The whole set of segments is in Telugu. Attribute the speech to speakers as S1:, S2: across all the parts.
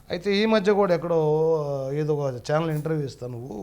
S1: అయితే ఈ మధ్య కూడా ఎక్కడో ఏదో ఒక ఛానల్ ఇంటర్వ్యూ ఇస్తాను నువ్వు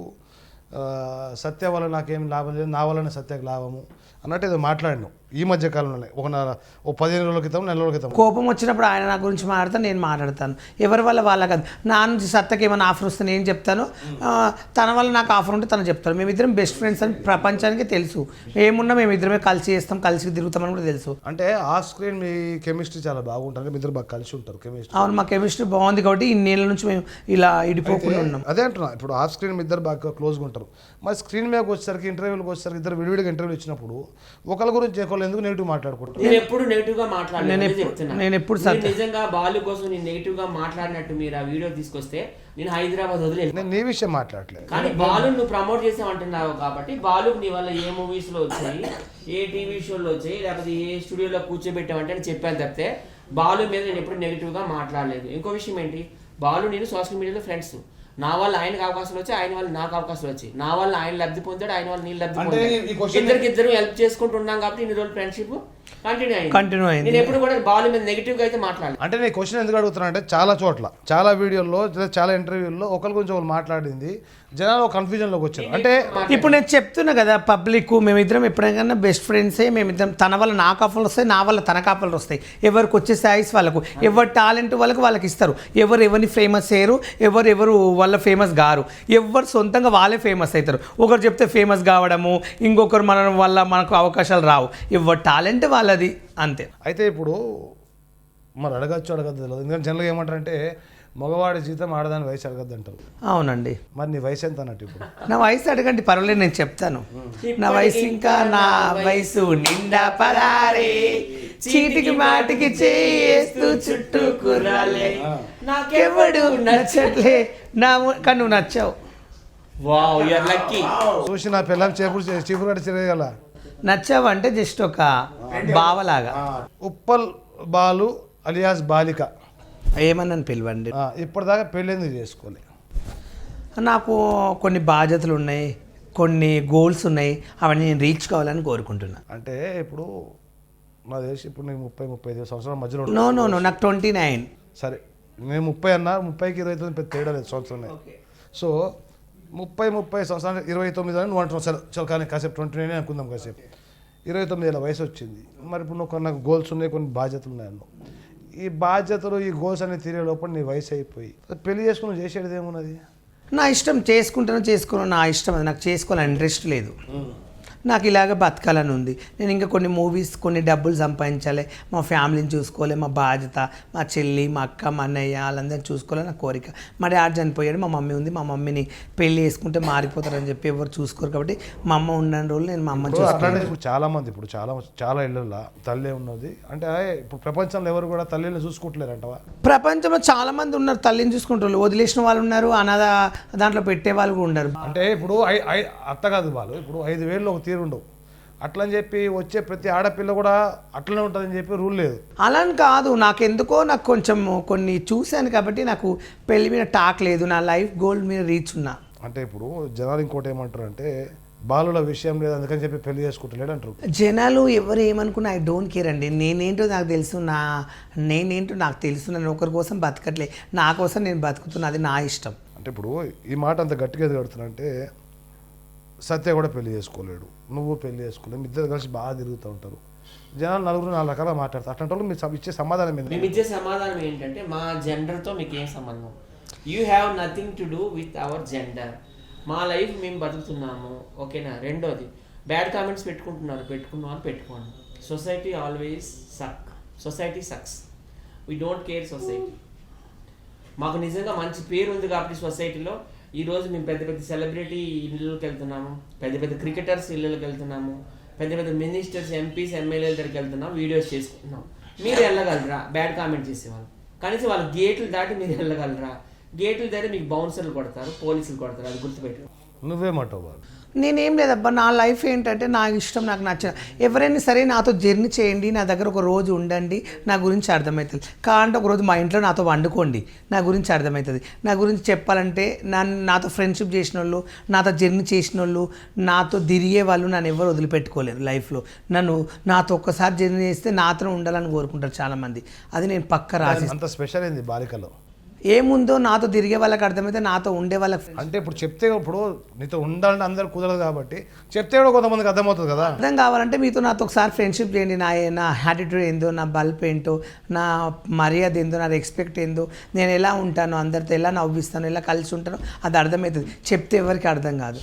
S1: సత్య వల్ల నాకేం లాభం లేదు, నా వల్లనే సత్యకు లాభము అన్నట్టు ఏదో మాట్లాడినావు ఈ మధ్య కాలంలోనే. ఓ 15 రోజుల క్రితం, నెల రోజుల క్రితం.
S2: కోపం వచ్చినప్పుడు ఆయన నా గురించి మాట్లాడతాను, నేను మాట్లాడతాను. ఎవరి వల్ల వాళ్ళ కాదు. నా నుంచి సత్తకి ఏమైనా ఆఫర్ వస్తే నేను చెప్తాను, తన వల్ల నాకు ఆఫర్ ఉంటే తను చెప్తాను. మేమిద్దరం బెస్ట్ ఫ్రెండ్స్ అని ప్రపంచానికి తెలుసు. ఏమున్నా మేమిద్దరమే కలిసి చేస్తాం, కలిసి తిరుగుతామని కూడా తెలుసు.
S1: అంటే ఆ స్క్రీన్ మీ కెమిస్ట్రీ చాలా బాగుంటుంది, మీ ఇద్దరు బాగా కలిసి ఉంటారు కెమిస్ట్రీ.
S2: అవును, మా కెమిస్ట్రీ బాగుంది కాబట్టి ఇన్నేళ్ళ నుంచి మేము ఇలా ఇడిపోకుండా ఉన్నాం.
S1: అదే అంటున్నా, ఇప్పుడు ఆ స్క్రీన్ మీ ఇద్దరు బాగా క్లోజ్గా ఉంటారు. మరి స్క్రీన్ మీదకి వచ్చేసరికి, ఇంటర్వ్యూలకు వచ్చేసరికి ఇద్దరు విడివిడిగా ఇంటర్వ్యూలు ఇచ్చినప్పుడు ఒకరి గురించి ఒకళ్ళు ఎందుకు నెగిటివ్ మాట్లాడుకుంటారు?
S3: నేను ఎప్పుడు నెగిటివ్ గా మాట్లాడలేదు.
S2: నేను ఎప్పుడు
S3: నిజంగా బాలు కోసం నేను నెగిటివ్ గా మాట్లాడినట్టు మీరు ఆ వీడియో తీసుకొస్తే నేను హైదరాబాద్ వదిలేదు.
S1: నేను నీ విషయం మాట్లాడలేదు,
S3: కానీ బాలు నువ్వు ప్రమోట్ చేసామంటున్నావు కాబట్టి బాలు నీ వల్ల ఏ మూవీస్ లో వచ్చాయి, ఏ టీవీ షోలో వచ్చాయి, లేకపోతే ఏ స్టూడియోలో కూర్చోబెట్టామంటే నేను చెప్పాను తప్పితే బాలు మీద నేను ఎప్పుడు నెగిటివ్ గా మాట్లాడలేదు. ఇంకో విషయం ఏంటి, బాలు నేను సోషల్ మీడియాలో ఫ్రెండ్స్. నా వల్ల ఆయనకు అవకాశాలు వచ్చాయి, ఆయన వల్ల నాకు అవకాశాలు వచ్చాయి. నా వల్ల ఆయన లబ్ధి పొందాడు, ఆయన వల్ల నేను లబ్ధి పొందాడు. ఇద్దరు హెల్ప్ చేసుకుంటున్నాం కాబట్టి ఇన్ని రోజులు ఫ్రెండ్షిప్ కంటిన్యూ అయింది. నేను ఎప్పుడు కూడా బాల్ మీద నెగిటివ్ గా అయితే మాట్లాడలేదు.
S1: అంటే నేను క్వశ్చన్ ఎందుకు అడుగుతున్నా అంటే, చాలా చోట్ల, చాలా వీడియోల్లో, చాలా ఇంటర్వ్యూల్లో ఒకరి గురించి ఒకరు మాట్లాడింది జనాలు కన్ఫ్యూజన్ లోకి వచ్చారు. అంటే
S2: ఇప్పుడు నేను చెప్తున్నా కదా, పబ్లిక్ మేమిద్దరం ఎప్పుడైనా బెస్ట్ ఫ్రెండ్సే. మేమిద్దరం తన వల్ల నాకు ఆఫర్లు వస్తాయి, నా వల్ల తనకు ఆఫర్లు వస్తాయి. ఎవరికి వచ్చే సాయిస్ వాళ్ళకు, ఎవరి టాలెంట్ వాళ్ళకి ఇస్తారు. ఎవరిని ఫేమస్ చేయరు, ఎవరు వాళ్ళ ఫేమస్ గారు. ఎవరు సొంతంగా వాళ్ళే ఫేమస్ అవుతారు. ఒకరు చెప్తే ఫేమస్ కావడము, ఇంకొకరు మన వల్ల మనకు అవకాశాలు రావు. ఎవరి టాలెంట్ వాళ్ళది, అంతే.
S1: అయితే ఇప్పుడు మరి అడగద్దు తెలియదు, ఎందుకంటే జనరల్గా ఏమంటారంటే మగవాడి జీతం ఆడదాని వయసు అడగద్దు అంటారు.
S2: అవునండి.
S1: మరి నీ వయసు ఎంత అన్నట్టు? ఇప్పుడు
S2: నా వయసు అడగండి, పర్వాలేదు, నేను చెప్తాను. నా వయసు ఇంకా నా వయసు నిండా పరారే, చీటికి మాటికి చేస్తూ చుట్టూ కుర్రాలే, నాకెవడు నచ్చట్లే కానీ నువ్వు నచ్చావు.
S1: చూసి నా పిల్లలు చీపురు కట్టి తిరగల.
S2: నచ్చావు అంటే జస్ట్ ఒక బావలాగా.
S1: ఉప్పల్ బాలు అలియాస్ బాలిక
S2: ఏమన్నాను పిలవండి.
S1: ఇప్పటిదాకా పెళ్ళి చేసుకోలే.
S2: నాకు కొన్ని బాధ్యతలు ఉన్నాయి, కొన్ని గోల్స్ ఉన్నాయి, అవన్నీ నేను రీచ్ కావాలని కోరుకుంటున్నా.
S1: అంటే ఇప్పుడు నా తెలిసి ఇప్పుడు నీకు 30-35 సంవత్సరాల మధ్యలో.
S2: నో నాకు 29.
S1: సరే, నేను 30 అన్నా, 30కి 29 పెద్ద తేడా లేదు సంవత్సరమే. సో 30 సంవత్సరాలు 29 అని నువ్వు అంటున్నావు. సరే చలో, కానీ కాసేపు 29 అనుకుందాం. కాసేపు 29 ఏళ్ళ వయసు వచ్చింది. మరి ఇప్పుడు నువ్వు నాకు గోల్స్ ఉన్నాయి, కొన్ని బాధ్యతలు ఉన్నాయి అన్నావు. ఈ బాధ్యతలు, ఈ గోల్స్ అనేది తీరే లోపల నీ వయసు అయిపోయి పెళ్లి చేసుకుని చేసేది ఏమున్నది?
S2: నా ఇష్టం, చేసుకోను, నా ఇష్టం. అది నాకు చేసుకోవాలని ఇంట్రెస్ట్ లేదు. నాకు ఇలాగ బతకాలని ఉంది. నేను ఇంకా కొన్ని మూవీస్, కొన్ని డబ్బులు సంపాదించాలి, మా ఫ్యామిలీని చూసుకోవాలి, మా బాధ్యత, మా చెల్లి, మా అక్క, మా అన్నయ్య వాళ్ళందరినీ చూసుకోవాలని నా కోరిక. మా డాడీ చనిపోయాడు, మా మమ్మీ ఉంది. మా మమ్మీని పెళ్లి చేసుకుంటే మారిపోతారని చెప్పి ఎవరు చూసుకోరు కాబట్టి మా అమ్మ ఉన్న రోజులు నేను మా అమ్మ చూసుకుంటాను.
S1: ఇప్పుడు చాలా మంది, ఇప్పుడు చాలా ఇళ్ళల్లో తల్లి ఉన్నది. అంటే ఇప్పుడు ప్రపంచంలో ఎవరు కూడా తల్లిని చూసుకుంటలేరంటవా?
S2: ప్రపంచంలో చాలా మంది ఉన్నారు తల్లిని చూసుకుంటారు, వదిలేసిన వాళ్ళు ఉన్నారు, అనాథ దాంట్లో పెట్టే వాళ్ళు కూడా ఉన్నారు.
S1: అంటే ఇప్పుడు అత్త కాదు వాళ్ళు, ఇప్పుడు 5,000 ఒక ఉండవు అట్లని చెప్పి వచ్చే ప్రతి ఆడపిల్ల కూడా అట్లనే ఉంటుందని చెప్పి రూల్ లేదు.
S2: అలా కాదు, నాకెందుకో నాకు కొంచెం కొన్ని చూశాను కాబట్టి నాకు పెళ్లి మీద టాక్ లేదు. నా లైఫ్ గోల్ మీద రీచ్ ఉన్నా.
S1: అంటే ఇప్పుడు జనాలు ఇంకోటి ఏమంటారు అంటే, బాలుల విషయం లేదు అందుకని చెప్పి పెళ్లి చేసుకుంటలేడు అంటారు.
S2: జనాలు ఎవరు ఏమనుకున్నా ఐ డోంట్ కేర్ అండి. నేనేంటో నాకు తెలుసు, నేనేంటో నాకు తెలుసు. నేను ఒకరి కోసం బతకట్లే, నా కోసం నేను బతుకుతున్నా, అది నా ఇష్టం.
S1: అంటే ఇప్పుడు ఈ మాట అంత గట్టిగా కడుతున్నా అంటే, సత్య కూడా పెళ్లి చేసుకోలేడు, నువ్వు పెళ్లి చేసుకోలేవు, మీ ఇద్దరు కలిసి బాగా తిరుగుతూ ఉంటారు. జనాలు 4 రకాలుగా మాట్లాడతారు. అట్లాంటి వాళ్ళు మీరు ఇచ్చే సమాధానం ఏంటి?
S3: మేము ఇచ్చే సమాధానం ఏంటంటే, మా జెండర్తో మీకు ఏం సంబంధం? You have nothing to do with our gender. మా లైఫ్ మేము బతుకుతున్నాము, ఓకేనా? రెండోది, బ్యాడ్ కామెంట్స్ పెట్టుకున్నాను పెట్టుకోండి. Society always society sucks. We don't care society. మాకు నిజంగా మంచి పేరు ఉంది కాబట్టి సొసైటీలో ఈరోజు మేము పెద్ద పెద్ద సెలబ్రిటీ ఇళ్ళకి వెళ్తున్నాము, పెద్ద పెద్ద క్రికెటర్స్ ఇళ్ళకి వెళ్తున్నాము, పెద్ద పెద్ద మినిస్టర్స్, ఎంపీస్, ఎమ్మెల్యేల దగ్గరికి వెళ్తున్నాం, వీడియోస్ చేసుకుంటున్నాం. మీరు వెళ్ళగలరా బ్యాడ్ కామెంట్ చేసేవాళ్ళు? కనీసం వాళ్ళ గేట్లు దాటి మీరు వెళ్ళగలరా? గేట్లు దాటి మీకు బౌన్సర్లు కొడతారు, పోలీసులు కొడతారు, అది గుర్తుపెట్టు.
S1: నువ్వేమంటావు?
S2: నేనేం లేదబ్బా, నా లైఫ్ ఏంటంటే నా ఇష్టం, నాకు నచ్చిన ఎవరైనా సరే నాతో జర్నీ చేయండి, నా దగ్గర ఒక రోజు ఉండండి, నా గురించి అర్థమవుతుంది. కావాలంటే ఒకరోజు మా ఇంట్లో నాతో వండుకోండి, నా గురించి అర్థమవుతుంది. నా గురించి చెప్పాలంటే నాతో ఫ్రెండ్షిప్ చేసిన వాళ్ళు, నాతో జర్నీ చేసిన వాళ్ళు, నాతో తిరిగే వాళ్ళు నన్ను ఎవరు వదిలిపెట్టుకోలేరు లైఫ్లో. నాతో ఒక్కసారి జర్నీ చేస్తే నాతో ఉండాలని కోరుకుంటారు చాలామంది. అది నేను పక్క రాసి.
S1: అంత స్పెషల్ ఏంది బాలికలో?
S2: ఏముందో నాతో తిరిగే వాళ్ళకి అర్థమైతే నాతో ఉండే వాళ్ళకి
S1: అంటే ఇప్పుడు చెప్తే ఇప్పుడు నీతో ఉండాలంటే అందరు కుదరదు కాబట్టి చెప్తే కూడా కొంతమందికి అర్థమవుతుంది కదా.
S2: అర్థం కావాలంటే మీతో నాతో ఒకసారి ఫ్రెండ్షిప్ చేయండి. నా యాటిట్యూడ్ ఏందో, నా బల్బ్ ఏంటో, నా మర్యాద ఏందో, నా రెస్పెక్ట్ ఏందో, నేను ఎలా ఉంటానో, అందరితో ఎలా నవ్విస్తాను, ఎలా కలిసి ఉంటానో అది అర్థమవుతుంది. చెప్తే ఎవరికి అర్థం కాదు.